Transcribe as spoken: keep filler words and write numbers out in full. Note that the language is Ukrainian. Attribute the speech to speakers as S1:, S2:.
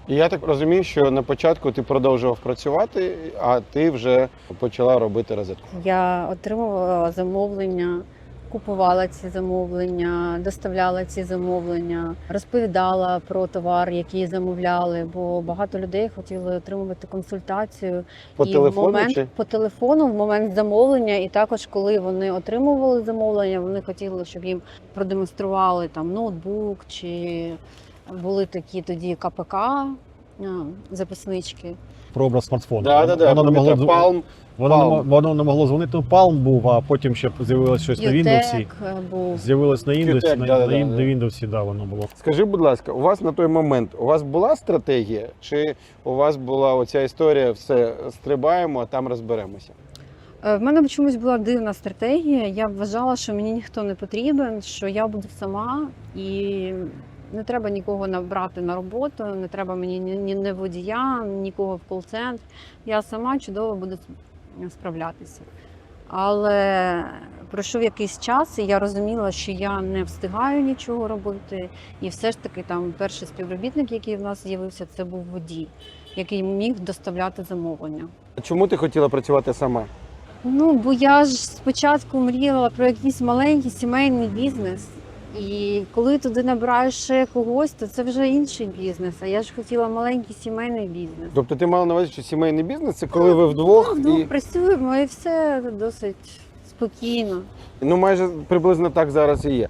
S1: І я так розумію, що на початку ти продовжував працювати, а ти вже почала робити розетку.
S2: Я отримувала замовлення, купувала ці замовлення, доставляла ці замовлення, розповідала про товар, який замовляли, бо багато людей хотіли отримувати консультацію.
S1: По
S2: і
S1: телефону
S2: в момент,
S1: чи?
S2: по телефону в момент замовлення, і також коли вони отримували замовлення, вони хотіли, щоб їм продемонстрували там ноутбук, чи були такі тоді КПК, а, записнички.
S3: Про образ смартфону.
S1: Да, да, да.
S3: Воно не могло,
S1: Palm,
S3: дзвон- воно, не,
S1: Palm.
S3: мо- воно не могло дзвонити. Ну, Palm був, а потім ще з'явилось щось на Windows.
S2: Ютек був.
S3: З'явилось на Windows,
S1: Ютек,
S3: на,
S1: да, да,
S3: на,
S1: да.
S3: на Windows, да, воно було.
S1: Скажи, будь ласка, у вас на той момент у вас була стратегія, чи у вас була оця історія, все стрибаємо, а там розберемося?
S2: Е, В мене чомусь була дивна стратегія. Я вважала, що мені ніхто не потрібен, що я буду сама і не треба нікого набрати на роботу, не треба мені ні, ні, ні водія, нікого в кол-центр. Я сама чудово буду справлятися. Але пройшов якийсь час, і я розуміла, що я не встигаю нічого робити. І все ж таки там перший співробітник, який в нас з'явився, це був водій, який міг доставляти замовлення.
S1: А чому ти хотіла працювати сама?
S2: Ну, бо я ж спочатку мріяла про якийсь маленький сімейний бізнес. І коли туди набираєш ще когось, то це вже інший бізнес. А я ж хотіла маленький сімейний бізнес.
S1: Тобто ти мала на увазі, що сімейний бізнес це коли ви вдвох
S2: Ну,
S1: і
S2: працюємо і все досить спокійно.
S1: ну майже приблизно так зараз і є.